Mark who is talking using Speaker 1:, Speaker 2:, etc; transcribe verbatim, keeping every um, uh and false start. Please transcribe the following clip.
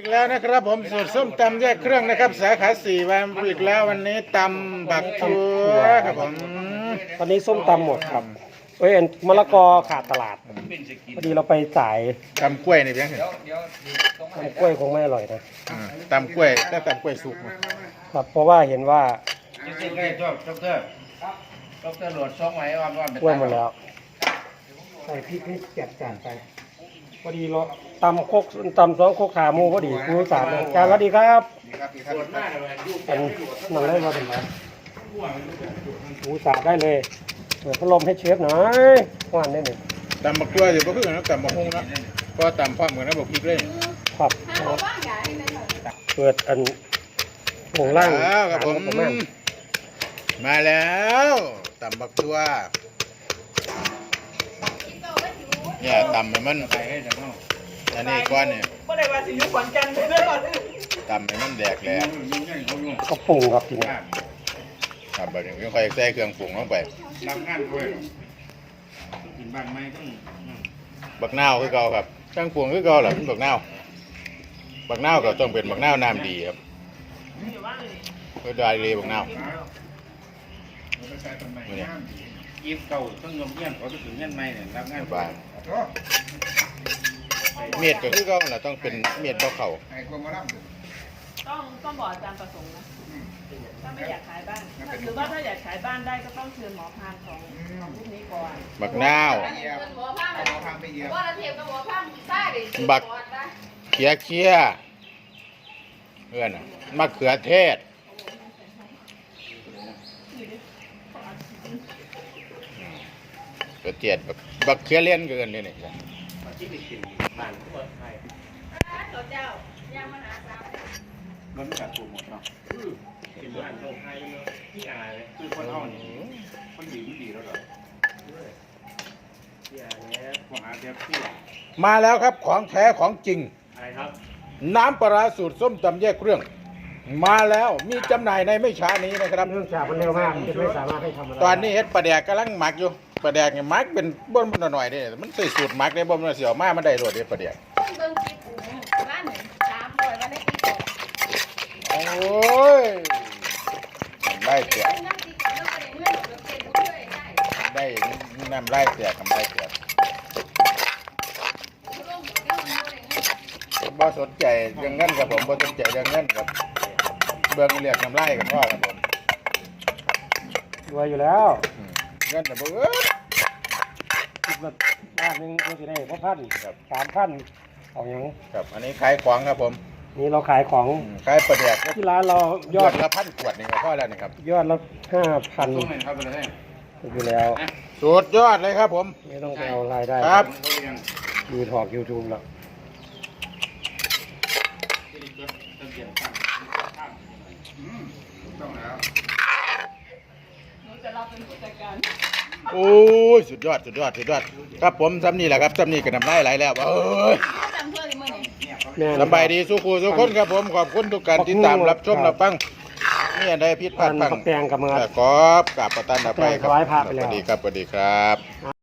Speaker 1: อีกแล้วนะครับผมสูตรส้มตำแยกเครื่องนะครับสาขาสี่วันอีกแล้ววันนี้ตำบักทั่วครับผม
Speaker 2: ตอนนี้ส้มตำหมดครับเอ้ยมะละกอขาดตลาดพอดีเราไปจ่าย
Speaker 1: ตำกล้วยนี่เพียงเห็น
Speaker 2: ตำกล้วยคงไม่อร่อยนะ
Speaker 1: ตำกล้วยแต่ตำกล้วยสุก
Speaker 2: ครับเพราะว่าเห็นว่า
Speaker 3: จริงๆก็ชอบชอบเตอร์ชอบเตอร์โหลดช่องไว้ว่าว่าเป็น
Speaker 2: กล้วยหมดแล้วใส่พริกให้จัดจานไปพอดีเราตำโคกตำสองโคกขาหมูพอดีครูสามจานสวัสดีครับอันนั่งได้มาถึงไหนครูสามได้เลยเปิดพัดลมให้เชฟหน่อยหวานได้หนึ่ง
Speaker 1: ตำบักทั่วอยู่ก็คือนะตำบักฮุ้งนะก็ตำพร้อมเหมือนนะบอกพริกเลย
Speaker 2: ครับเปิดอันหงล่าง
Speaker 1: ครับผมมาแล้วตำบักทั่วเนี่ยตำให้มันไปให้จังเนาะอันนี้ก้อนเนี่ย
Speaker 4: ก็ได้ว่าสิยุขวัญกันเลยก่อน
Speaker 1: ตำให้มันแดกแหลก
Speaker 2: ก็ปรุงครับทีนี้
Speaker 1: ครับแบบนี้ค่อยใส่เครื่องปรุงลงไป
Speaker 3: รับงานด้วยกินบ้านไหมต้อง
Speaker 1: บักนาวคือเก่าครับเครื่องปรุงคือเก่าแหละบักนาวบักนาวก็ต้องเป็นบักนาวน้ำดีครับเพื่อได้เลยบักนาว
Speaker 3: ยิบเก่าต้องยมเงี้ยนเขาจะถึงเงี้ยนไหมเนี่ยรับงาน
Speaker 1: บ้านเมียดก็คือเก่าแหละต้องเป็นเมียดเบาเข่า
Speaker 4: ต้องต้องบอกอาจารย์ประสงค์นะถ้าไม่อยากขายบ้านหรือว่าถ้าอยากขายบ้านได้ก็ต้องเชิญหมอพานของของรูปนี้ก่อน
Speaker 1: บักนาวบักเขียเขียเพื่อนมะเขือเทศกระเจี๊ยบบักเขือเลี้ยนเกินเลยนี่
Speaker 3: มันจัดปรุงหมดเนาะกินบ้านโลกไทยเนาะที่อายเลยคือคนเท่านี้คนดีไม่ดีแล้วหรอที่อายแล้วมหาเทพที่
Speaker 1: มาแล้วครับของแท้ของจริง
Speaker 3: อะไรครับ
Speaker 1: น้ำปลาสูตรส้มตำแยกเครื่องมาแล้วมีจำหน่ายในไม่ช้านี้นะครับ
Speaker 2: เรื่องจากมันเร็วมากจะไม่สามารถให้ทำ
Speaker 1: ตอนนี้เฮ็ดปลาแดกกำลังหมักอยู่ปลาแดกเนี่ยหมักเป็นบ้นมันหน่อยๆนี่มันใส่สูตรหมักได้บ่มันเสียวมากมันได้รสเด็ดปลาแดกโอ้ยได้เสียได้น้ำไล่เสียกับไล่เสียบ่สนใจเรื่องเงินกับผมบ่สนใจเรื่องเงินกับเบื้องเรียกน้ำไล่กับพ่อกับผม
Speaker 2: รวยอยู่แล้ว
Speaker 1: เงินแต่บ่เอ้ย
Speaker 2: คิดว่าบ้านนึงก็จะได้พอพันครับสามพันเอาอย่าง
Speaker 1: ครับอันนี้ขายของครับผม
Speaker 2: นี่เราขายของ
Speaker 1: ขายปลาแดก
Speaker 2: ที่ร้านเรายอด
Speaker 1: ละพันขวดนี่ก็พอแล้วนี่ครับ
Speaker 2: ยอดละห้าพันอยู่แล้ว
Speaker 1: สุดยอดเลยครับผม
Speaker 2: ไม่ต้องไปเอารายได้
Speaker 1: ครับ
Speaker 2: ดูถอกยูทูบแล้ว
Speaker 1: โอ้ยสุดยอดสุดยอดสุดยอดครับผมซ้ำนี่แหละครับซ้ำนี่ก็นำไล่ไหลแล้วเอ้ยสบายดีสู้ครูสู้คนครับผมขอบคุณทุกการติดตามรับชมรับฟังนี่ได้พิษพัดพัง
Speaker 2: แปลงกับมือ
Speaker 1: ขอบกับประตันไปครับ
Speaker 2: สวัสดี
Speaker 1: ครับสวัสดีครับ